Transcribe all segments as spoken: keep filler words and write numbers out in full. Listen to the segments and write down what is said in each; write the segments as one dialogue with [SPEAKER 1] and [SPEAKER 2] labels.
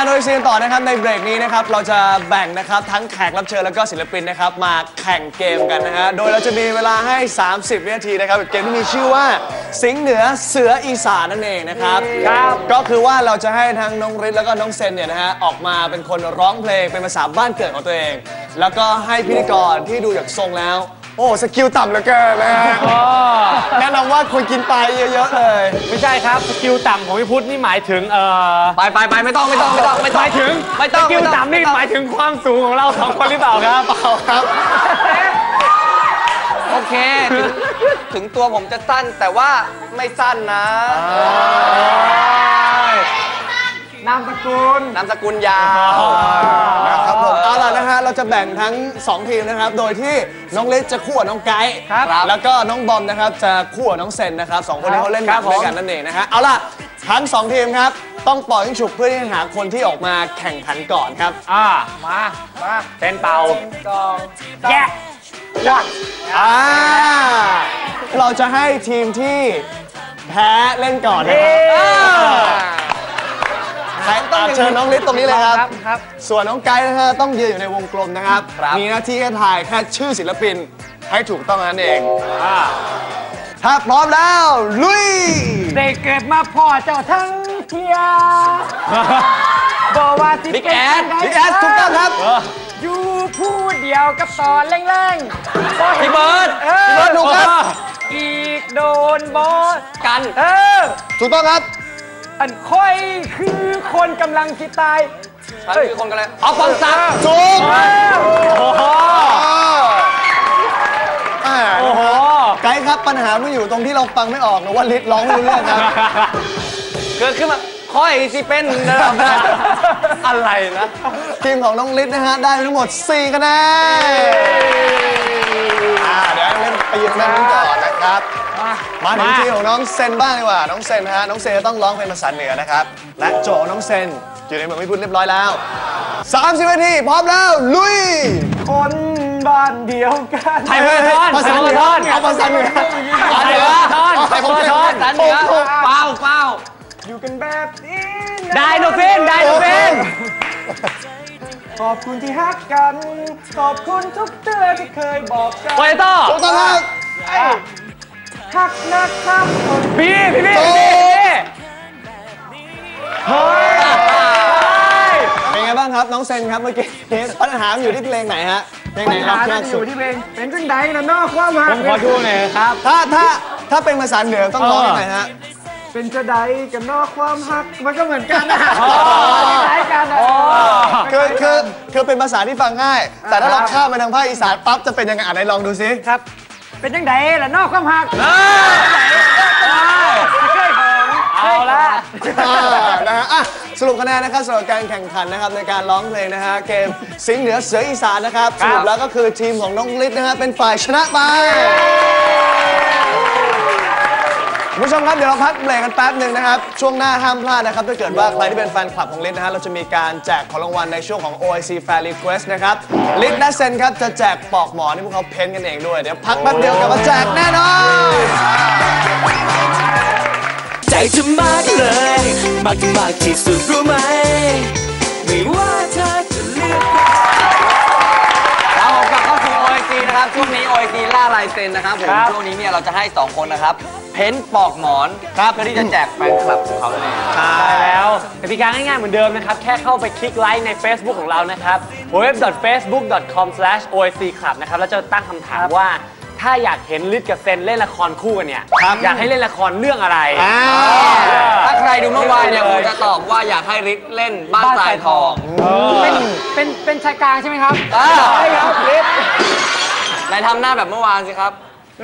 [SPEAKER 1] โอ เอ ซี กันต่อนะครับในเบรกนี้นะครับเราจะแบ่งนะครับทั้งแขกรับเชิญแล้วก็ศิลปินนะครับมาแข่งเกมกันนะฮะโดยเราจะมีเวลาให้สามสิบวินาทีนะครับเกมที่มีชื่อว่าสิงห์เหนือเสืออีสานนั่นเองนะครับครับก็คือว่าเราจะให้ทั้งน้องฤทธิ์แล้วก็น้องเซนเนี่ยนะฮะออกมาเป็นคนร้องเพลงเป็นภาษาบ้านเกิดของตัวเองแล้วก็ให้พิธีกรที่ดูจากทรงแล้วโอ้สกิลต่ำเหลือเกินนะฮะแนะนำว่าคุณกินไปเยอะๆเลย
[SPEAKER 2] ไม่ใช่ครับสกิลต่ำของพี่พุทธนี่หมายถึงเอ่อ
[SPEAKER 3] ไปไปไปไม่ต้องไม่ต้องไม่ต้องไม่ต้อง
[SPEAKER 2] หมายถึง
[SPEAKER 3] ไม่ต้อง
[SPEAKER 2] สกิลต่ำนี่หมายถึงความสูงของเราสองคนหรือเปล่าครับ
[SPEAKER 1] เปล่าครับ
[SPEAKER 3] โอเคถึงถึงตัวผมจะสั้นแต่ว่าไม่สั้นนะ
[SPEAKER 2] นามสกุล
[SPEAKER 3] นามสกุลยาว
[SPEAKER 1] นะครับผมเอาล่ะนะฮะเราจะแบ่งทั้งสองทีมนะครับโดยที่น้องเล็กจะคู่กับน้องไกด์แล้วก็น้องบอมนะครับจะคู่กับน้องเซนนะครับสองคนนี้เขาเล่นกันด้วยกันนั่นเองนะฮะเอาล่ะทั้งสองทีมครับต้องปล่อยให้ฉุกเพื่อที่จะหาคนที่ออกมาแข่งขันก่อนครับ
[SPEAKER 2] อ่ามามาเซนเป่าแยะ
[SPEAKER 1] วัดอ่าเราจะให้ทีมที่แพ้เล่นก่อนนะครับเชิญน้องลิศตรงนี้เลยครับ ส่วนน้องไกด์นะฮะต้องยืนอยู่ในวงกลมนะครับ มีหน้าที่แค่ถ่ายแค่ชื่อศิลปินให้ถูกต้องนั่นเองถ้าพร้อมแล้วลุย
[SPEAKER 2] ได้เกิดมาพ่อเจ้าทั้งเทียบอกว่าที่
[SPEAKER 3] บิ๊กแอด
[SPEAKER 1] บิ๊กแอดถูกต้องครับ
[SPEAKER 2] อยู่ผู้เดียวกับตอนแรง
[SPEAKER 3] ๆพี่เบิร์ด
[SPEAKER 1] พี่เบิร์ดถูกครับ
[SPEAKER 2] อีกโดนบอส
[SPEAKER 3] กัน
[SPEAKER 2] เออ
[SPEAKER 1] ถูกต้องครับ
[SPEAKER 2] อันค่อยคือคนกำลังคิดตาย
[SPEAKER 3] ฉันคือคนกำลังเอาฟังซัก
[SPEAKER 1] ถูก
[SPEAKER 2] โอ้โห
[SPEAKER 1] ไกด์ครับปัญหาไม่อยู่ตรงที่เราฟังไม่ออกหรือว่าลิศร้องไม่รู้เรื่องครับ
[SPEAKER 3] เกิดขึ้นมาค่อยสิเป็นอะไรนะ
[SPEAKER 1] ทีมของน้องลิศนะฮะได้ทั้งหมดสี่คะแนนเดี๋ยวเล่นไปยืนแม่นู้นก่อนนะครับมาถึงทีมของน้องเซนบ้างดีกว่าน้องเซนฮะน้องเซนต้องร้องเพลงภาษาเหนือนะครับและโจของน้องเซนอยู่ในเมืองพิบูลเรียบร้อยแล้วสามสิบนาทีพร้อมแล้วลุย
[SPEAKER 2] คนบ้านเดียวกัน
[SPEAKER 3] ไทยเพื่อน
[SPEAKER 1] ภาษาเหนือเอาภาษาเหนือ
[SPEAKER 3] ภาษาเหนือไทยเพื่อนภาษาเหนือเป้าเป้า
[SPEAKER 2] อยู่กันแบบนี้
[SPEAKER 3] ได้โนเฟนได้โนเฟน
[SPEAKER 2] ขอบคุณที่ฮักกันขอบคุณทุกเตือนที่เคยบอกกัน
[SPEAKER 3] โปเตโต้
[SPEAKER 1] ถูกต้องครับ
[SPEAKER 2] ฮักนะครับพี่พี่พี่พี่เฮ้
[SPEAKER 1] ยเป็นไงบ้างครับน้องเซนครับเมื่อกี้ปัญหาอยู่ที่เพลงไหนฮะเพลงไหนครับ
[SPEAKER 2] ปัญหาอยู่ที่เพลงเป็นจังใดนะนอกความหัก
[SPEAKER 3] ผมขอดูหน่อยครับ
[SPEAKER 1] ถ้าถ้าถ้าเป็นภาษาเหนือต้องร้องยังไงฮะ
[SPEAKER 2] เป็นจะใดกับนอกความหักมันก็เหมือนกันนะคล้ายกันนะ
[SPEAKER 1] คือคือคือเป็นภาษาที่ฟังง่ายแต่ถ้าเราข้ามไปทางภาคอีสานปั๊บจะเป็นยังไงอ่านไหนลองดูซิ
[SPEAKER 2] ครับเป็นจังใดล่ะนอกความหักเอาละ
[SPEAKER 1] นะฮะสรุปคะแนนนะครับสำหรับการแข่งขันนะครับในการร้องเพลงนะฮะเกมสิงห์เหนือเสืออีสานนะครับสรุปแล้วก็คือทีมของน้องฤทธิ์นะฮะเป็นฝ่ายชนะไปคุณผู้ชมครับเดี๋ยวเราพักเบรกกันแป๊บหนึ่งนะครับช่วงหน้าห้ามพลาดนะครับถ้าเกิดว่าใครที่เป็นแฟนคลับของฤทธิ์นะฮะเราจะมีการแจกของรางวัลในช่วงของ โอ ไอ ซี Fan Request นะครับฤทธิ์และเซนครับจะแจกปลอกหมอนที่พวกเขาเพ้นกันเองด้วยเดี๋ยวพักแป๊บเดียวกลับมาแจกแน่นอน
[SPEAKER 4] ใจเธอมากเลยมากมากที่สุดรู้ไหมไม่ว่าเธอจะเลือก
[SPEAKER 3] เรากลับเข้าสู่ โอ ไอ ซี นะครับช่วงนี้ โอ ไอ ซี ล่าลายเซ็นนะครับผมช่วงนี้เนี่ยเราจะให้สองคนนะครับเพ้นปอกหมอนครับเพื่อที่จะแจกแฟนคลับของเขาเลย
[SPEAKER 2] ใช่แล้วกติกาง่ายๆเหมือนเดิมนะครับแค่เข้าไปคลิกไลค์ใน Facebook ของเรานะครับ ดับเบิลยู ดับเบิลยู ดับเบิลยู ดอท เฟซบุ๊ก ดอท คอม สแลช โอ ไอ ซี คลับ นะครับแล้วจะตั้งคำถามว่าถ้าอยากเห็นฤทธิ์กับเซนเล่นละครคู่กันเนี่ยอยากให้เล่นละครเรื่องอะไร
[SPEAKER 3] ถ้าใครดูเมื่อวานเนี่ยผมจะตอบว่าอยากให้ฤทธิ์เล่นบ้านทรายทอง
[SPEAKER 2] เป็นเป็นเป็นชายกลางใช่ไหมครับ
[SPEAKER 3] ใช่ครับฤทธิ์นายทำหน้าแบบเมื่อวานสิครับ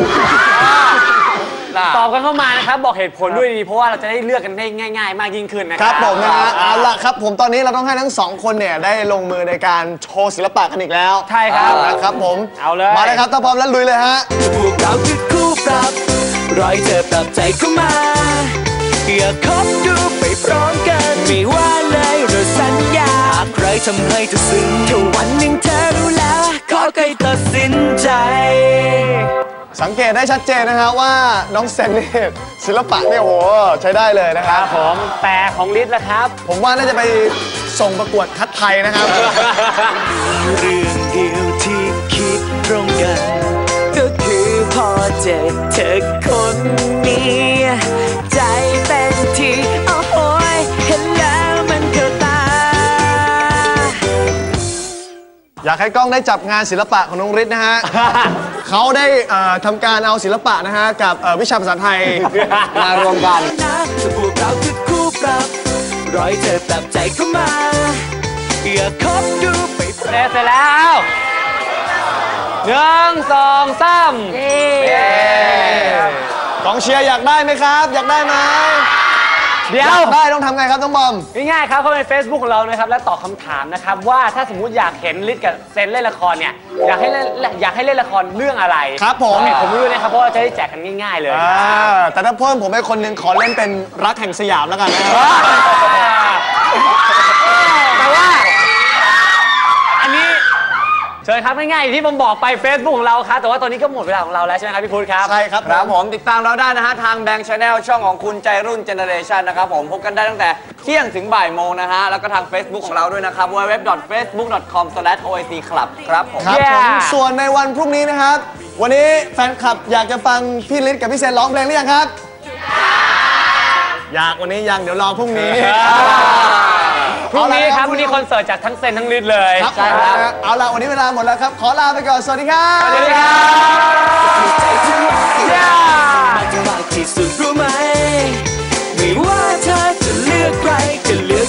[SPEAKER 2] ตอบกันเข้ามานะครับบอกเหตุผลด้วยดีเพราะว่าเราจะได้เลือกกันได้ง่ายๆมากยิ่งขึ้นนะค
[SPEAKER 1] รับผมนะฮะเอาล่ะครับผมตอนนี้เราต้องให้ทั้งสองคนเนี่ยได้ลงมือในการโชว์ศิลปะกันอีกแล้ว
[SPEAKER 2] ใช่ครับ
[SPEAKER 1] นะครับผม
[SPEAKER 2] เอาเลย
[SPEAKER 1] มาเลยครับถ้าพร้อมแล้วลุยเลยฮะ
[SPEAKER 4] พวกเราคือคู่ปรับรอยเธอปรับใจเข้ามาอยากคบดูไปพร้อมกันไม่ว่าเลยเราสัญญาใครทำให้เธอซึ้งแค่วันหนึ่งเธอรู้แล้วขอใครตัดสินใจ
[SPEAKER 1] สังเกตได้ชัดเจนนะฮะว่าน้องเซนนี่ศิลปะเนี่ยโหใช้ได้เลยนะครับ
[SPEAKER 2] ผมแต่ของฤทธิ์ล่ะครับ
[SPEAKER 1] ผมว่าน่าจะไปส่งประกวดคัดไทยนะครับ
[SPEAKER 4] เรื่องเดียวที่คิดตรงกัน ก็คือพอเจอเธอคนนี้ ใจเต้นทีโอ้โหยเห็นแล้วมันเข้าตา
[SPEAKER 1] อยากให้กล้องได้จับงานศิลปะของน้องฤทธิ์นะฮะ เขาได้เอ่อทำการเอาศิลปะนะฮะกับเอ่อวิชาภาษาไทย
[SPEAKER 3] มารวมกัน
[SPEAKER 4] นะถ้าพวกเราคือคู่ปรับรอยเธอปรับใจเข้ามา อย่าคบดูไป
[SPEAKER 2] เสร็จแล้วหนึ่งสองสามเย้
[SPEAKER 1] กองเชียร์อยากได้ไหมครับ อยากได้ไหม
[SPEAKER 2] เดี๋ย
[SPEAKER 1] อยว ากได้ต้องทำไงครับน้องบอม
[SPEAKER 2] ง่ายๆครับเข้าไปใน Facebook ของเรานะครับและตอบคำถามนะครับว่าถ้าสมมุติอยากเห็นลิศกับเซนเล่นละครเนี่ยอยากให้เล่นอยากให้เล่นละครเรื่องอะไร
[SPEAKER 1] ครับผม
[SPEAKER 2] เหตุผมไม่รู้นะครับเพราะว่าเราจะได้แจกกันง่ายๆเลย
[SPEAKER 1] อ่าแต่ถ้าเพิ่มผมให้คนหนึ่งขอเล่นเป็นรักแห่งสยามแล้วกันนะครับ
[SPEAKER 2] แต่ว่าอันนี้เชิญครับง่ายๆอย่างที่ผมบอกไป Facebook ของเราครับแต่ว่าตอนนี้ก็หมดเวลาของเราแล้วใช่ไหมครับพี่พุทธครับ
[SPEAKER 1] ใช่ครับ
[SPEAKER 3] ครับผมติดตามเราได้นะฮะ ทางแบงค์ชาแนลช่องของคุณใจรุ่นเจเนเรชันนะครับผมพบกันได้ตั้งแต่เที่ยงถึงบ่ายโมงนะฮะ แล้วก็ทาง Facebook ของเราด้วยนะครับ ดับเบิลยู ดับเบิลยู ดับเบิลยู ดอท เฟซบุ๊ก ดอท คอม สแลช โอ ไอ ซี คลับ ครับผม
[SPEAKER 1] ครับผม
[SPEAKER 2] Yeah
[SPEAKER 1] ส่วนในวันพรุ่งนี้นะครับ วันนี้แฟนคลับอยากจะฟังพี่ฤทธิ์กับพี่เซนร้องเพลงหรือยังครับ อยากวันนี้ยังเดี๋ยวรอพรุ่งนี้
[SPEAKER 2] พรุ่งนี้ครับพรุ่งนี้คอนเสิร์ตจากทั้งเซนทั้งลิศเลย
[SPEAKER 1] ครับ
[SPEAKER 3] ใช่ครับ
[SPEAKER 1] เอาล่ะวันนี้เวลาหมดแล้วครับ ขอลาไปก่อน สวัสดีครับ
[SPEAKER 2] สวัสดีครับ
[SPEAKER 4] ใจที่รักมากที่สุดรู้ไหม